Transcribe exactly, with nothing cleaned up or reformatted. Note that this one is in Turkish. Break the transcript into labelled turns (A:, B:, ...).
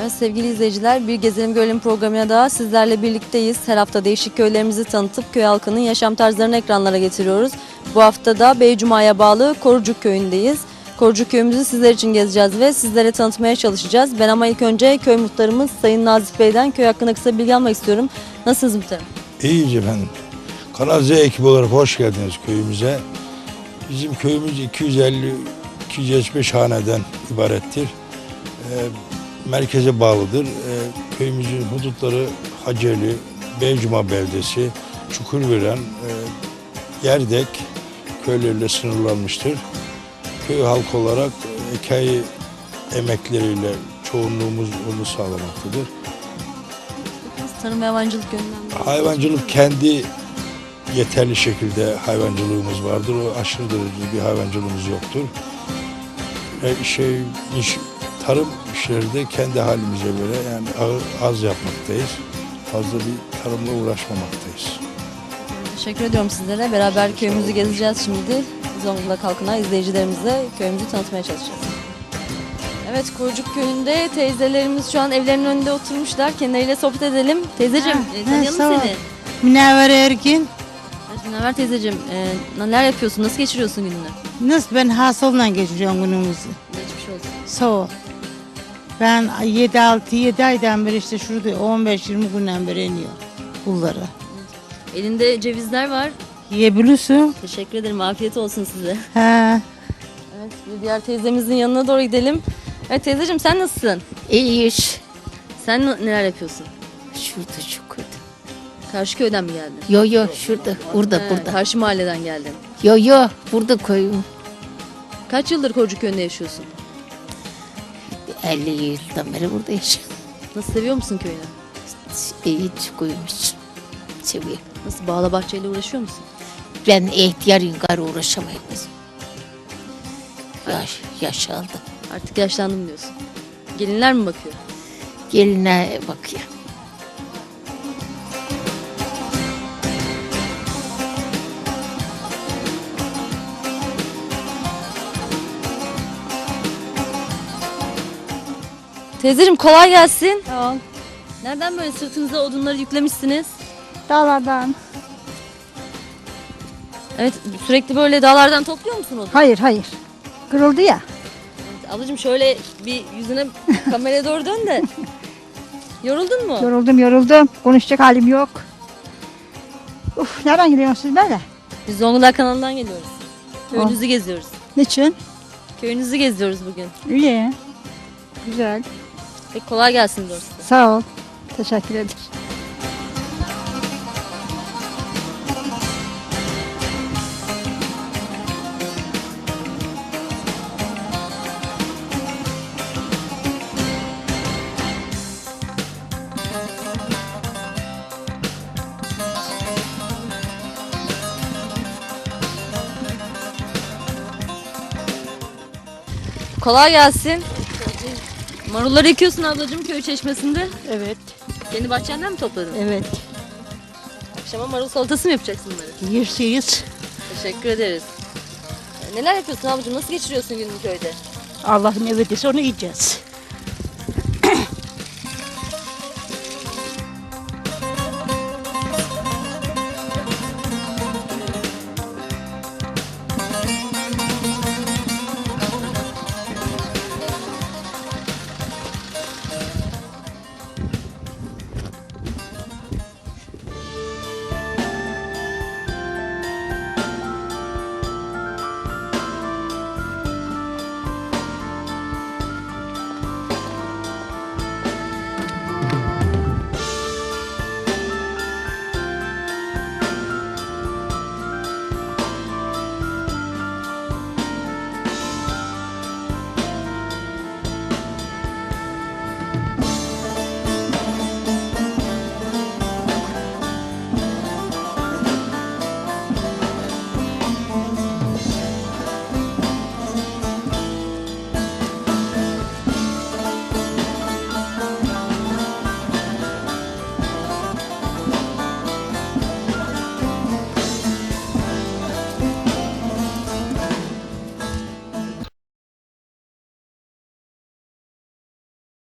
A: Evet sevgili izleyiciler, Bir Gezelim Görelim programına daha sizlerle birlikteyiz. Her hafta değişik köylerimizi tanıtıp köy halkının yaşam tarzlarını ekranlara getiriyoruz. Bu hafta da Beycuma'ya bağlı Korucuk köyündeyiz. Korucuk köyümüzü sizler için gezeceğiz ve sizlere tanıtmaya çalışacağız. Ben ama ilk önce köy muhtarımız Sayın Nazif Bey'den köy hakkında kısa bilgi almak istiyorum. Nasılsınız muhtarım?
B: İyiyiz efendim. Kanal Z ekibi olarak hoş geldiniz köyümüze. Bizim köyümüz iki yüz elli iki yüz yetmiş beş haneden ibarettir. E, merkeze bağlıdır. E, köyümüzün hudutları Haceli, Beycuma beldesi, Çukurveren, e, Yerdek köyleriyle sınırlanmıştır. Köy halkı olarak ekay emekleriyle çoğunluğumuz onu sağlamaktadır.
A: Tarım ve hayvancılık yönünden.
B: Hayvancılık kendi yeterli şekilde hayvancılığımız vardır. O aşırı derecede bir hayvancılığımız yoktur. E, şey iş, tarım işleri de kendi halimize göre yani az yapmaktayız. Fazla bir tarımla uğraşmamaktayız.
A: Teşekkür ediyorum sizlere. Beraber köyümüzü gezeceğiz şimdi. Zonguldak halkına, izleyicilerimize köyümüzü tanıtmaya çalışacağız. Evet, Korucuk köyünde teyzelerimiz şu an evlerinin önünde oturmuşlar. Kendileriyle sohbet edelim. Teyzeciğim,
C: Ha,
A: e, tanıyalım
C: ha, sağ ol.
A: seni.
C: Münevver Ergin.
A: Evet, Münevver teyzeciğim, e, neler yapıyorsun? Nasıl geçiriyorsun gününü?
C: Nasıl ben hastalıkla geçiriyorum günümüzü.
A: Geçmiş olsun.
C: Sağ ol. Ben yedi altı yedi aydan beri işte şurada on beş yirmi günden beri iniyor bunları.
A: Elinde cevizler var.
C: Yiyebilirsin.
A: Teşekkür ederim. Afiyet olsun size.
C: Ha.
A: Evet, bir diğer teyzemizin yanına doğru gidelim. Evet teyzeciğim, sen nasılsın?
D: İyi iş.
A: Sen n- neler yapıyorsun?
D: Şurada çukurda.
A: Karşı köyden mi geldin?
D: Yo yo şurada, burada,
A: He,
D: burada.
A: Karşı mahalleden geldin.
D: Yo yo burada koyun.
A: Kaç yıldır Korucuk köyünde yaşıyorsun?
D: elli yıldan beri burada yaşıyorum.
A: Nasıl, seviyor musun köyünü?
D: İyi çukuymuş. Seviyorum.
A: Nasıl, bağla bahçeyle uğraşıyor musun?
D: Ben ihtiyarım, karı uğraşamayım. Yaş, yaş aldım.
A: Artık yaşlandım diyorsun. Gelinler mi bakıyor?
D: Geline bakıyor.
A: Teyzeciğim kolay gelsin.
E: Tamam.
A: Nereden böyle sırtınıza odunları yüklemişsiniz?
E: Dağlardan.
A: Evet, sürekli böyle dağlardan topluyor musun odun?
E: Hayır hayır. Kırıldı ya.
A: Evet, ablacığım şöyle bir yüzüne kameraya doğru dön de. Yoruldun mu?
E: Yoruldum yoruldum. Konuşacak halim yok. Uf, nereden geliyorsunuz siz böyle?
A: Biz Zonguldak kanalından geliyoruz. Köyünüzü geziyoruz.
E: Niçin?
A: Köyünüzü geziyoruz bugün.
E: İyi. Güzel.
A: Peki kolay gelsin doğrusu.
E: Sağ ol. Teşekkür ederim.
A: Kolay gelsin. Marulları ekiyorsun ablacığım köy çeşmesinde.
E: Evet.
A: Kendi bahçenden mi topladın?
E: Evet.
A: Akşama marul salatası mı yapacaksın bunları?
C: Yersiyiz.
A: Teşekkür ederiz. Ee, Neler yapıyorsun ablacığım? Nasıl geçiriyorsun gününü köyde?
C: Allah'ın evetisi onu yiyeceğiz.